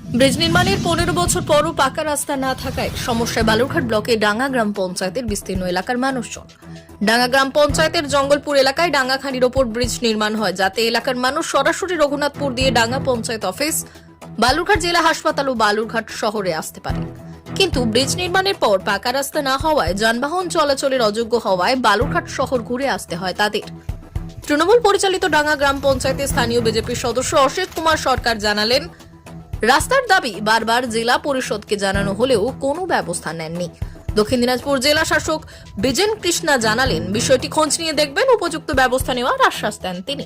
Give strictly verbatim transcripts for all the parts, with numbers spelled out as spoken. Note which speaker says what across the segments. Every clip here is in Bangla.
Speaker 1: ব্রিজ নির্মাণের পনেরো বছর পরও পাকা রাস্তা না থাকায় সমস্যায় বালুরঘাট ব্লকে ডাঙ্গা গ্রাম পঞ্চায়েতের বিস্তীর্ণ এলাকার মানুষজন। ডাঙ্গা গ্রাম পঞ্চায়েতের জঙ্গলপুর এলাকায় ডাঙ্গাখানির ওপর ব্রিজ নির্মাণ হয়, যাতে এলাকার মানুষ সরাসরি রঘুনাথপুর দিয়ে ডাঙ্গা পঞ্চায়েত অফিস, বালুরঘাট জেলা হাসপাতাল ও বালুরঘাট শহরে আসতে পারে। কিন্তু ব্রিজ নির্মাণের পর পাকা রাস্তা না হওয়ায় যানবাহন চলাচলের অযোগ্য হওয়ায় বালুরঘাট শহর ঘুরে আসতে হয় তাদের। তৃণমূল পরিচালিত ডাঙ্গা গ্রাম পঞ্চায়েতের স্থানীয় বিজেপির সদস্য অশিত কুমার সরকার জানালেন, রাস্তার দাবি বারবার জেলা পরিষদকে জানানো হলেও কোনো ব্যবস্থা নেননি। দক্ষিণ দিনাজপুর জেলা শাসক বিজেন কৃষ্ণা জানালেন, বিষয়টি খোঁজ নিয়ে দেখবেন, উপযুক্ত ব্যবস্থা নেওয়ার আশ্বাস দেন তিনি।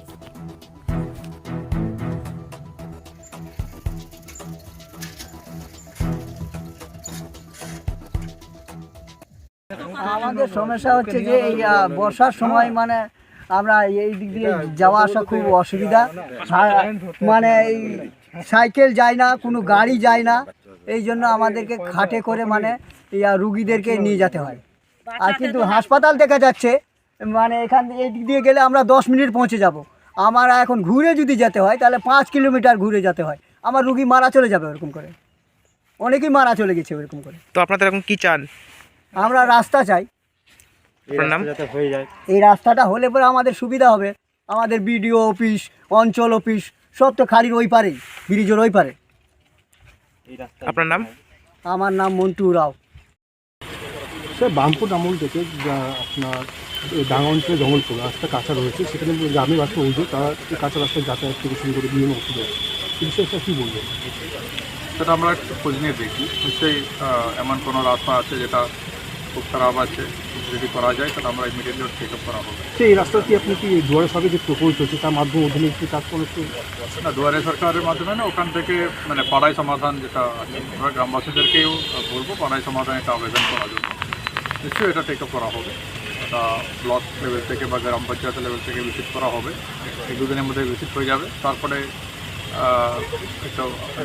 Speaker 2: আমাদের সমস্যা হচ্ছে যে এই আহ, বর্ষার সময় মানে আমরা এই দিক দিয়ে যাওয়া আসা খুব অসুবিধা। সা- মানে এই সাইকেল যায় না, কোনো গাড়ি যায় না, এই জন্য আমাদেরকে খাটে করে মানে ইয়া রুগীদেরকে নিয়ে যেতে হয়। আর কিন্তু হাসপাতাল দেখা যাচ্ছে মানে এখান এই দিক দিয়ে গেলে আমরা দশ মিনিট পৌঁছে যাব। আমার এখন ঘুরে যদি যেতে হয় তাহলে পাঁচ কিলোমিটার ঘুরে যেতে হয়। আমার রুগী মারা চলে যাবে ওরকম করে, অনেকেই মারা চলে গেছে ওরকম করে।
Speaker 3: তো আপনাদের এখন কি চান?
Speaker 2: আমরা রাস্তা চাই,
Speaker 3: আপনার নাম?
Speaker 2: এই রাস্তাটা হলে পরে আমাদের সুবিধা হবে। আমাদের বিডিও অফিস, অঞ্চল অফিস সব তো খালির ওই পারে, ব্রিজের ওই পারে।
Speaker 3: আপনার নাম?
Speaker 2: আমার নাম মন্টু রাও।
Speaker 4: স্যার, বামপুর আমল থেকে যা আপনার এই ডাঙ্গা অঞ্চলে জঙ্গলপুর রাস্তা কাঁচা রয়েছে, সেখানে গ্রামে বাসে অভিযোগ তারা এই কাঁচা রাস্তায় যাতায়াত থেকে শুরু করে বিভিন্ন অসুবিধা হচ্ছে। এই বিষয়ে স্যার কী বলবেন?
Speaker 5: সেটা আমরা একটু খোঁজ নিয়ে দেখি, নিশ্চয়ই এমন কোনো রাস্তা আছে যেটা খুব খারাপ আছে, যদি করা যায় তাহলে আমরা ইমিডিয়েটলি চেক আপ করা হবে।
Speaker 4: সেই এই রাস্তা কি আপনি কি দুয়ারে সরকার যে প্রকল্প হচ্ছে তার মাধ্যমে অধীনে একটু কাজ করেছে?
Speaker 5: না, দুয়ারে সরকারের মাধ্যমে না, ওখান থেকে মানে পাড়ায় সমাধান যেটা আছে, আমরা গ্রামবাসীদেরকেও বলবো পাড়ায় সমাধান এটা আবেদন করার জন্য। নিশ্চয়ই এটা টেক আপ করা হবে, এটা ব্লক লেভেল থেকে বা গ্রাম পঞ্চায়েত লেভেল থেকে ভিজিট করা হবে। এক দুদিনের মধ্যে ভিজিট হয়ে যাবে, তারপরে একটা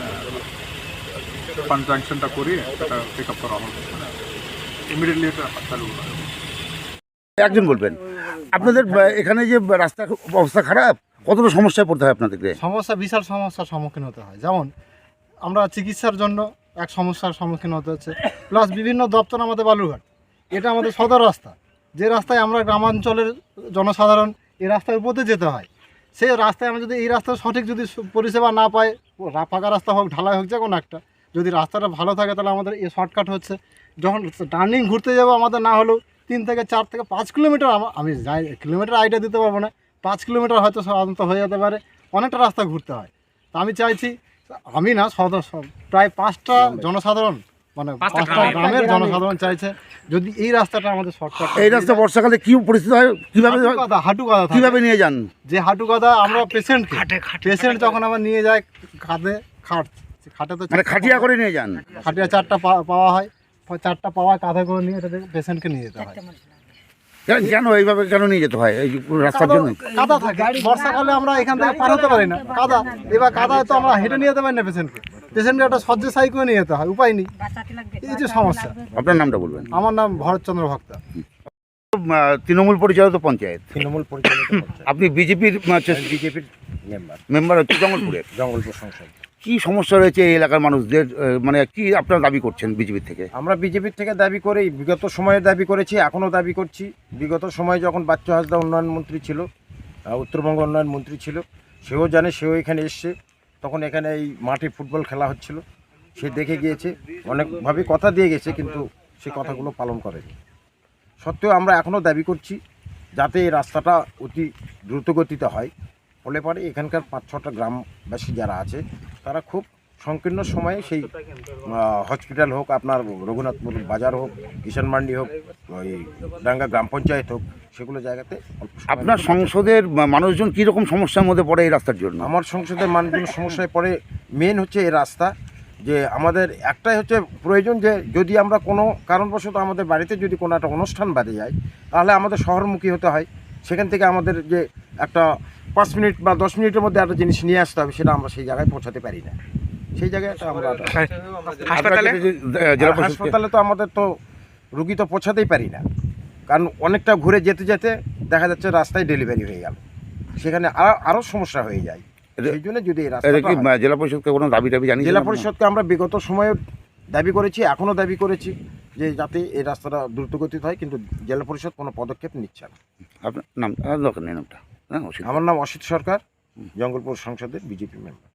Speaker 5: ফান্ড স্যাংশনটা করিয়ে এটা টেক আপ করা হবে, ইমিডিয়েটলি এটা চালু করা হবে।
Speaker 6: একজন বলবেন, আপনাদের এখানে যে রাস্তা অবস্থা খারাপ, কতটা সমস্যায় পড়তে হয় আপনাদেরকে?
Speaker 7: সমস্যা, বিশাল সমস্যার সম্মুখীন হতে হয়। যেমন আমরা চিকিৎসার জন্য এক সমস্যার সম্মুখীন হতে হচ্ছে, প্লাস বিভিন্ন দপ্তর আমাদের বালুরঘাট, এটা আমাদের সদর রাস্তা, যে রাস্তায় আমরা গ্রামাঞ্চলের জনসাধারণ এই রাস্তার উপর দিয়ে যেতে হয়। সেই রাস্তায় আমরা যদি এই রাস্তার সঠিক যদি পরিষেবা না পাই, ফাঁকা রাস্তা হোক, ঢালাই হোক, যে কোনো একটা, যদি রাস্তাটা ভালো থাকে তাহলে আমাদের এই শর্টকাট হচ্ছে। যখন টার্নিং ঘুরতে যাবো আমাদের না হলেও তিন থেকে চার থেকে পাঁচ কিলোমিটার, আমি যাই কিলোমিটার আইডিয়া দিতে পারবো না, পাঁচ কিলোমিটার হয়তো সাধারণত হয়ে যেতে পারে, অনেকটা রাস্তা ঘুরতে হয়। তো আমি চাইছি, আমি না সদস্য প্রায় পাঁচটা জনসাধারণ মানে পাঁচটা গ্রামের জনসাধারণ চাইছে যদি এই রাস্তাটা আমাদের শর্টকাট।
Speaker 6: এই রাস্তা বর্ষাকালে কি পরিস্থিতি হয়, কিভাবে
Speaker 7: হাঁটু কাদা
Speaker 6: কিভাবে নিয়ে যান?
Speaker 7: যে হাঁটু কাদা আমরা পেশেন্ট পেশেন্ট যখন আমরা নিয়ে যাই কাঁধে খাট, খাটে তো
Speaker 6: মানে খাটিয়া করে নিয়ে যান?
Speaker 7: খাটিয়া চারটা পাওয়া হয়, চারটা পাওয়া কাঁধে করে নিয়ে এটাতে পেশেন্টকে নিয়ে যেতে হয়।
Speaker 6: কেন কেন এইভাবে কেন নিয়ে যেতে হয়? এই রাস্তার জন্য
Speaker 7: কাদা থাকে, বর্ষাকালে আমরা এখান থেকে পার হতে পারি না, কাদা। এবার কাদায় তো আমরা হেঁটে নিয়ে যেতে পারি না পেশেন্টকে, পেশেন্টকে একটা শয্যাশায়ী করে নিয়ে যেতে হয়, উপায় নেই। এই যে সমস্যা।
Speaker 6: আপনার নামটা বলবেন?
Speaker 7: আমার নাম ভরতচন্দ্র ভক্তা।
Speaker 6: তৃণমূল পরিচালিত পঞ্চায়েত,
Speaker 8: তৃণমূল পরিচালিত পঞ্চায়েত।
Speaker 6: আপনি বিজেপির
Speaker 8: বিজেপির মেম্বার,
Speaker 6: মেম্বার হচ্ছে জঙ্গলপুরের।
Speaker 8: জঙ্গলপুর সংসদ।
Speaker 6: কি সমস্যা রয়েছে এই এলাকার মানুষদের, মানে কি আপনারা দাবি করছেন বিজেপির থেকে?
Speaker 8: আমরা বিজেপির থেকে দাবি করি, বিগত সময়ে দাবি করেছি, এখনও দাবি করছি। বিগত সময়ে যখন বাচ্চু হাসদা উন্নয়ন মন্ত্রী ছিল, উত্তরবঙ্গ উন্নয়ন মন্ত্রী ছিল, সেও জানে, সেও এখানে এসছে, তখন এখানে এই মাঠে ফুটবল খেলা হচ্ছিল, সে দেখে গিয়েছে, অনেকভাবে কথা দিয়ে গেছে, কিন্তু সে কথাগুলো পালন করেনি। সত্ত্বেও আমরা এখনও দাবি করছি যাতে এই রাস্তাটা অতি দ্রুতগতিতে হয়, ফলে পরে এখানকার পাঁচ ছটা গ্রামবাসী যারা আছে তারা খুব সংকীর্ণ সময়ে সেই হসপিটাল হোক, আপনার রঘুনাথপুর বাজার হোক, কিষাণ মান্ডি হোক, ওই ডাঙ্গা গ্রাম পঞ্চায়েত হোক, সেগুলো জায়গাতে।
Speaker 6: আপনার সংসদের মানুষজন কীরকম সমস্যার মধ্যে পড়ে এই রাস্তার জন্য?
Speaker 8: আমার সংসদের মানুষজন সমস্যায় পড়ে, মেন হচ্ছে এই রাস্তা। যে আমাদের একটাই হচ্ছে প্রয়োজন, যে যদি আমরা কোনো কারণবশত আমাদের বাড়িতে যদি কোনো একটা অনুষ্ঠান বাদে যায়, তাহলে আমাদের শহরমুখী হতে হয়। সেখান থেকে আমাদের যে একটা পাঁচ মিনিট বা দশ মিনিটের মধ্যে একটা জিনিস নিয়ে আসতে হবে, সেটা আমরা সেই জায়গায় পৌঁছাতে পারি না। সেই জায়গায় আমরা
Speaker 3: হাসপাতালে
Speaker 8: হাসপাতালে তো আমাদের তো রুগী তো পৌঁছাতেই পারি না, কারণ অনেকটা ঘুরে যেতে যেতে দেখা যাচ্ছে রাস্তায় ডেলিভারি হয়ে গেল, সেখানে আরও আরও সমস্যা হয়ে যায়।
Speaker 6: এটা-
Speaker 8: সেই জন্য যদি এই
Speaker 6: এটা
Speaker 8: রাস্তাটা
Speaker 6: কি
Speaker 8: হয়।
Speaker 6: আহ, জেলা পরিষদকে কোনো দাবি টাবি জানিয়েছেন
Speaker 8: জেলা
Speaker 6: আপনারা?
Speaker 8: পরিষদকে আমরা বিগত সময়ে দাবি করেছি, এখনও দাবি করেছি যে যাতে এই রাস্তাটা দ্রুতগতিতে হয়, কিন্তু জেলা পরিষদ কোনো পদক্ষেপ নিচ্ছে না।
Speaker 6: আপনার নাম আহ, দরকার নেই নামটা হ্যাঁ অসুবিধা
Speaker 8: আমার নাম অসিত সরকার, জঙ্গলপুর সংসদের বিজেপি মেম্বার।